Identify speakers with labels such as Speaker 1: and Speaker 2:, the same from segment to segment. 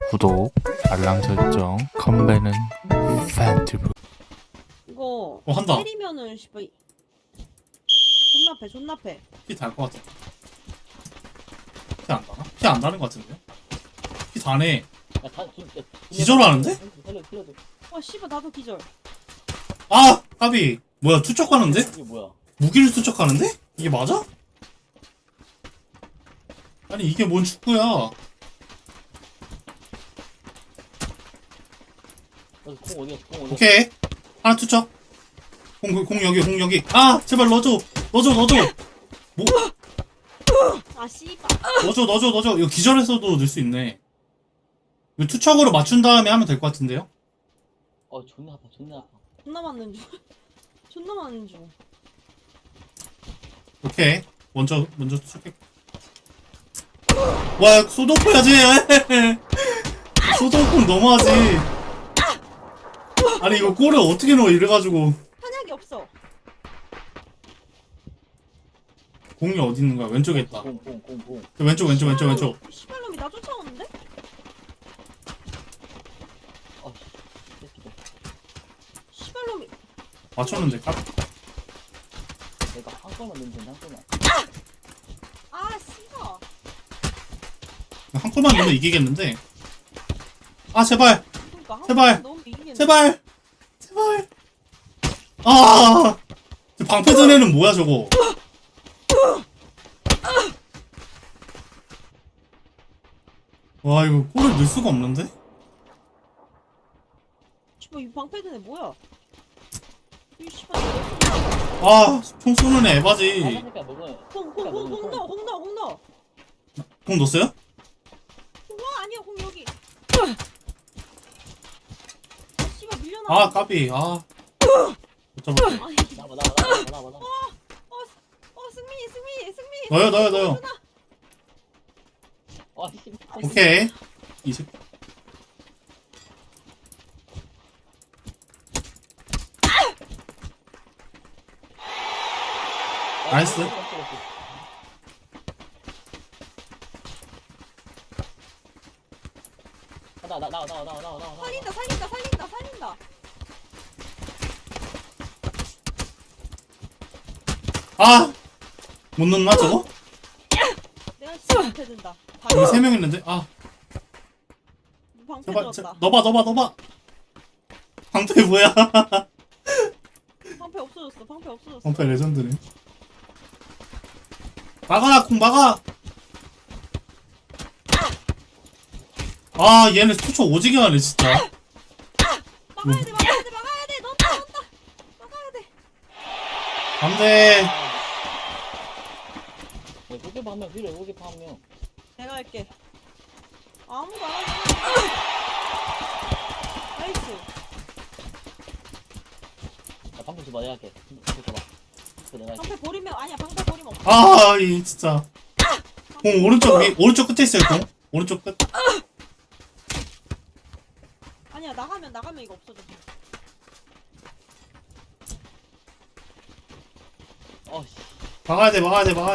Speaker 1: 구독, 알람 설정, 컴배는 팬티브.
Speaker 2: 이거
Speaker 3: 한다.
Speaker 2: 때리면은 씨발 존나 패.
Speaker 3: 피 달 것 같아. 피 안 나나? 피 안 나는 것 같은데요? 피 다네. 기절하는데?
Speaker 2: 와 씨발 나도 기절.
Speaker 3: 아! 까비. 뭐야, 투척하는데?
Speaker 4: 이게 뭐야?
Speaker 3: 무기를 투척하는데? 이게 맞아? 아니, 이게 뭔 축구야?
Speaker 4: 공 어디야? 공 어디야?
Speaker 3: 오케이. 하나 투척. 공 여기. 아! 제발 넣어줘. 뭐?
Speaker 2: 아 씨발.
Speaker 3: 넣어줘. 이거 기절해서도 넣을 수 있네. 이거 투척으로 맞춘 다음에 하면 될 것 같은데요?
Speaker 4: 존나 아파.
Speaker 2: 존나 맞는 중. 존나 맞는 중.
Speaker 3: 오케이. 먼저 투척해. 와, 소독포 해야지. 소독포 너무하지. 아니, 이거 골을 어떻게 넣어, 이래가지고.
Speaker 2: 탄약이 없어.
Speaker 3: 공이 어디 있는 거야? 왼쪽에 있다.
Speaker 4: 공.
Speaker 3: 왼쪽.
Speaker 2: 씨발놈이 나 쫓아오는데?
Speaker 4: 새끼들.
Speaker 2: 씨발놈이.
Speaker 3: 맞췄는데, 까
Speaker 4: 내가 한 골만 넣으면 된다. 한 골만.
Speaker 2: 아 씨발.
Speaker 3: 한 골만 넣으면 이기겠는데. 아, 제발.
Speaker 2: 그러니까 한
Speaker 3: 제발.
Speaker 2: 번 넣으면 이기겠네.
Speaker 3: 제발. 아! 저 방패전 애는 뭐야, 저거? 와, 이거 골을 넣을 수가 없는데?
Speaker 2: 씨발 이 방패드네 뭐야? 이 씨발.
Speaker 3: 아, 총 쏘는 애 에바지.
Speaker 4: 새끼야 먹어.
Speaker 2: 홍 넣어.
Speaker 3: 공 넣었어요?
Speaker 2: 와 아니야 홍 여기. 아 씨발 밀려나.
Speaker 3: 아, 까비. 아. 못 잡았다.
Speaker 2: 아니.
Speaker 4: 나와.
Speaker 2: 승미.
Speaker 3: 넣어요.
Speaker 4: 씨.
Speaker 3: 오케이. 이 새끼. 나이스.
Speaker 4: 나와.
Speaker 2: 살린다.
Speaker 3: 아! 못 넣나, 저거?
Speaker 2: 내가 진짜 방패 든다.
Speaker 3: 여기 3명 있는데? 아,
Speaker 2: 방패
Speaker 3: 제발.
Speaker 2: 들었다.
Speaker 3: 넣어봐. 방패 뭐야?
Speaker 2: 방패 없어졌어.
Speaker 3: 방패 레전드네. 막아, 공 막아! 아, 얘네 투초 오지게 하네, 진짜.
Speaker 2: 막아야 돼. 넣었다. 막아야 돼.
Speaker 3: 안 돼.
Speaker 4: 골키퍼 한 명 필요해. 골키퍼 한 명.
Speaker 2: 내가 할게. 아무도 안 하네. 나이스.
Speaker 4: 나 방금 줘봐. 내가 할게. 줘봐. 내가 할게.
Speaker 2: 방패 버리면 아니야. 방패 버리면 없어.
Speaker 3: 아, 이 진짜. 공 오른쪽 끝에 있어요, 공. 오른쪽 끝.
Speaker 2: 아니야. 나가면 이거 없어져.
Speaker 4: 씨.
Speaker 3: 막아야 돼.
Speaker 2: 아, 막을 수가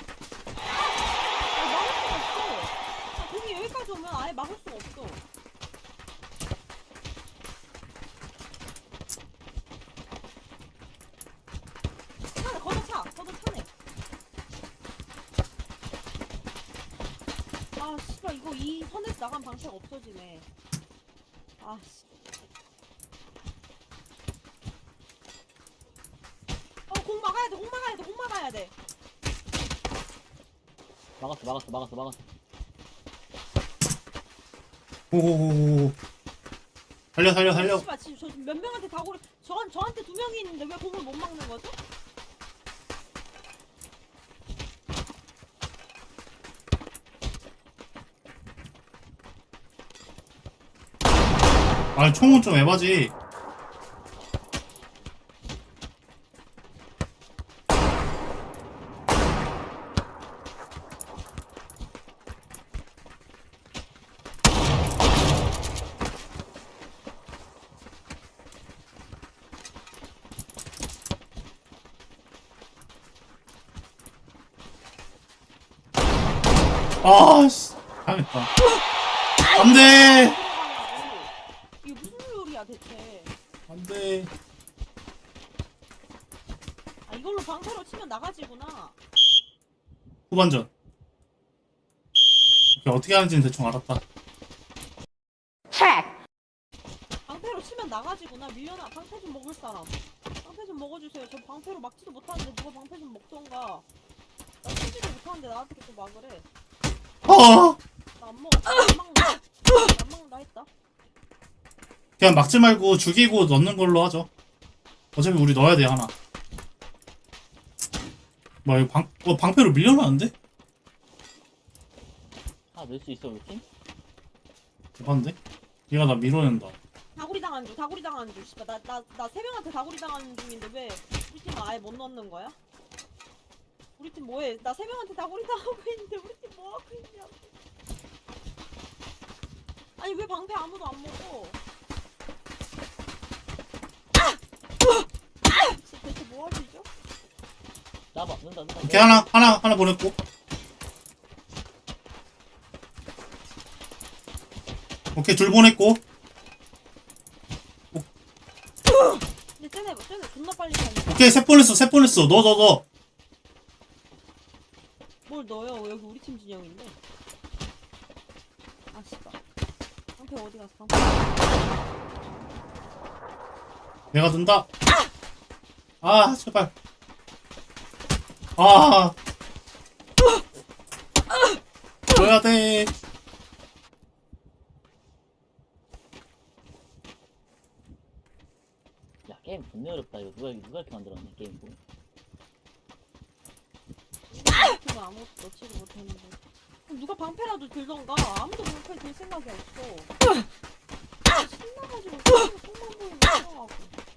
Speaker 2: 없어. 공이 여기까지 오면 아예 막을 수가 없어. 걷어 차네. 아, 씨발, 이거 이 선에서 나간 방패가 없어지네. 아, 씨. 공 막아야 돼.
Speaker 4: 막았어.
Speaker 3: 오오오오. 살려.
Speaker 2: 씨발, 지금 저 몇 명한테 다 고래. 저한테 2명이 있는데 왜 공을 못 막는 거죠?
Speaker 3: 아, 총은 좀 에바지. 아, 씨. 당했다. 안돼
Speaker 2: 이게 무슨 요리야 대체?
Speaker 3: 안돼.
Speaker 2: 아 이걸로 방패로 치면 나가지구나.
Speaker 3: 후반전. 오케이, 어떻게 하는지는 대충 알았다.
Speaker 2: 방패로 치면 나가지구나. 밀려나. 방패 좀 먹을 사람. 방패 좀 먹어주세요. 저 방패로 막지도 못하는데 누가 방패 좀 먹던가. 나 치지도 못하는데 나한테 계속 막을 해.
Speaker 3: 아
Speaker 2: 나 안 먹어. 안 막는다. 안 막는다 했다.
Speaker 3: 그냥 막지 말고 죽이고 넣는 걸로 하죠. 어차피 우리 넣어야 돼 하나. 뭐야 이거 방패로 밀려나는데?
Speaker 4: 아, 넣을 수 있어, 우리 팀?
Speaker 3: 대박인데? 얘가 나 밀어낸다.
Speaker 2: 다구리 당한 중. 다구리 당한 중. 씨발 나 세 명한테 다구리 당하는 중인데 왜 우리 팀은 아예 못 넣는 거야? 우리 팀 뭐해? 나 세 명한테 다구리 당하고 있는데 우리 팀 뭐 하고 있냐? 아니 왜 방패 아무도 안 먹어? 대체 뭐 하시죠?
Speaker 4: 나봐, 넣는다.
Speaker 3: 오케이 하나 보냈고. 오케이 둘 보냈고.
Speaker 2: 근데 쟤네 존나 빨리 가네.
Speaker 3: 오케이 셋 보냈어. 넣어.
Speaker 2: 뭘 넣어요? 여기 우리 팀 진영인데. 아 씨발. 방패 어디 갔어? 방패.
Speaker 3: 내가 든다. 아 제발. 아 넣어야 돼.
Speaker 4: 야, 게임 존나 어렵다. 이거 누가 이렇게 만들었네, 게임.
Speaker 2: 우리 팀은 아무것도 넣지도 못했는데. 그럼 누가 방패라도 들던가. 아무도 방패 들 생각이 없어. 신나가지고 손만 보이면 싫어하고.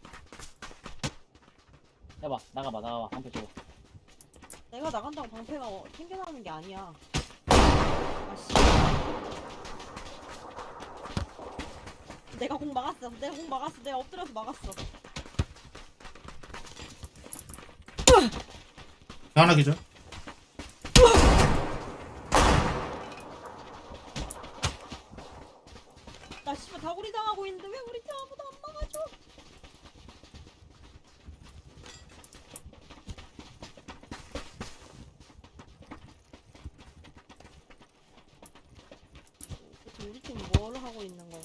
Speaker 4: 해봐, 나가봐. 방패 줘봐.
Speaker 2: 내가 나간다고 방패가 생겨나는 게 아니야. 아씨. 내가 공 막았어. 내가 엎드려서 막았어.
Speaker 3: 하나 기절.
Speaker 2: 나 씨발 다구리 당하고 있는데 왜 우리 팀 아무도 안 막아줘? 대체 우리 팀 뭘 하고 있는 건가?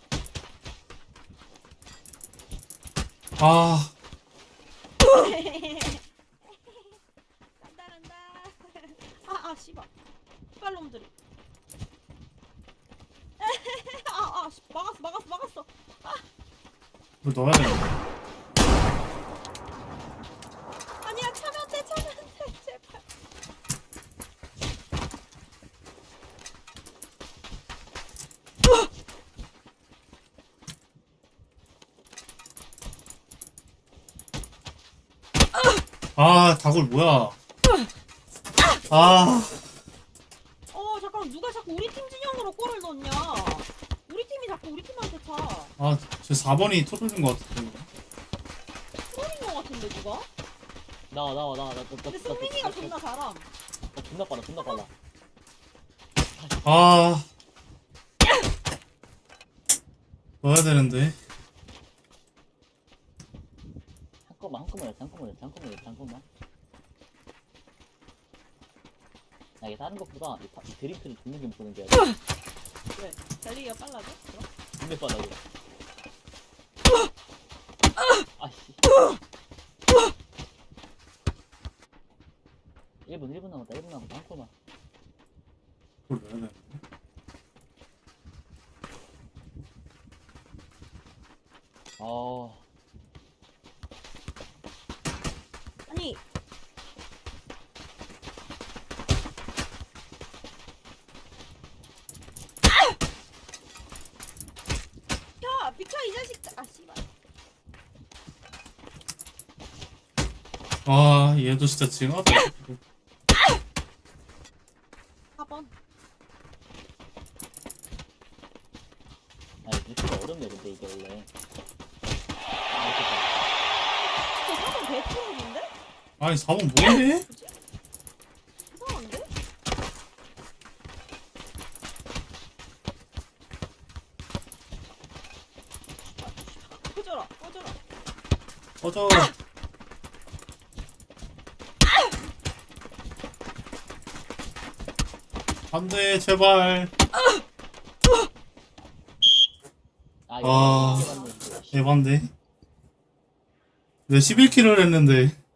Speaker 3: 아
Speaker 2: 간다. 아 씨발. 씨발놈들이. 막았어.
Speaker 3: 이거 넣어야 돼.
Speaker 2: 아니야 차면 돼 제발.
Speaker 3: 아 다굴 뭐야? 아
Speaker 2: 잠깐만 누가 자꾸 우리 팀 진영으로 골을 넣냐? 우리 팀이 자꾸 우리 팀한테 차.
Speaker 3: 제 4번이 토르는 것 같은데.
Speaker 2: 트롤인 거 같은데 누가?
Speaker 4: 나와.
Speaker 2: 근데 승민이가 존나 잘함.
Speaker 4: 나 존나 빨라.
Speaker 3: 아 넣어야 되는데.
Speaker 4: 잠깐만. 야, 이게 다른 것보다 이 드리프를 죽는 게 보는 게 아니라
Speaker 2: 왜? 달리기가 빨라져? 그럼?
Speaker 4: 존나 빨라, 이거. 아씨. 1분 남았다. 한 골만.
Speaker 3: 그걸 넣어야 되는데.
Speaker 2: 아니 비켜 이 자식. 아 씨발.
Speaker 3: 아 얘도 진짜 징하다.
Speaker 2: 4번.
Speaker 4: 아니, 드리프가 어렵네, 근데 이게 원래.
Speaker 2: 저 4번 배트롤인데?
Speaker 3: 아니 4번 뭐해?
Speaker 2: 이상한데? 꺼져라 꺼져라.
Speaker 3: 꺼져. 안돼 제발.
Speaker 4: 아,
Speaker 3: 아.
Speaker 4: 이거 맞는데.
Speaker 3: 에반데. 내 11킬을 했는데